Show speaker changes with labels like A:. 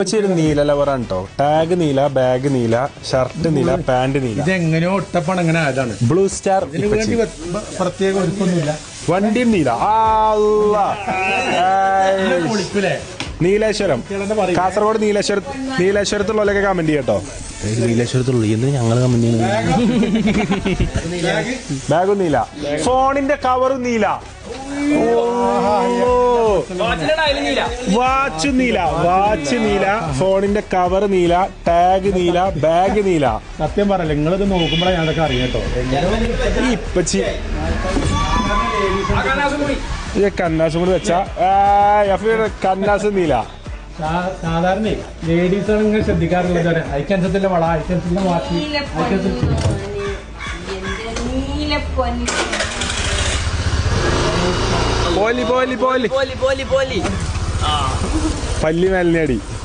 A: ഇപ്പൊച്ചൊരു നീല ലവറാണ് കേട്ടോ. ടാഗ് നീല, ബാഗ് നീല, ഷർട്ട് നീല, പാന്റ് നീല.
B: ഇതെങ്ങനെയോ ഒട്ടപ്പാണ് അങ്ങനെ ആയതാണ്.
A: ബ്ലൂ സ്റ്റാർ
B: പ്രത്യേക ഒരുക്കൊന്നുമില്ല.
A: വണ്ടിയും നീല. നീലേശ്വരം, കാസർഗോഡ് നീലേശ്വരത്തുള്ളവരൊക്കെ കമന്റ് ചെയ്യട്ടോ. നീലേശ്വരത്തുള്ള എന്തിനാ ഞങ്ങള് കമന്റ് ചെയ്യുന്നത്? ബാഗും നീല, ഫോണിന്റെ കവറും നീല, വാച്ച് നീല, ഫോണിന്റെ കവർ നീല, ടാഗ് നീല, ബാഗ് നീല.
B: സത്യം പറയല്ലേ, നിങ്ങളിത് നോക്കുമ്പോഴേ ഞാനതൊക്കെ അറിയാം കേട്ടോ.
A: ഇപ്പച്ചി കന്നാസും കൂടി വെച്ചാ കന്നാസ് നീല.
B: സാധാരണ ലേഡീസാണ് ഇങ്ങനെ ശ്രദ്ധിക്കാറുള്ളത്. ഐക്കൻസത്തിന്റെ വള, ഐക്കൻസിന്റെ വാച്ച്,
A: പല്ലി മേലിനടി.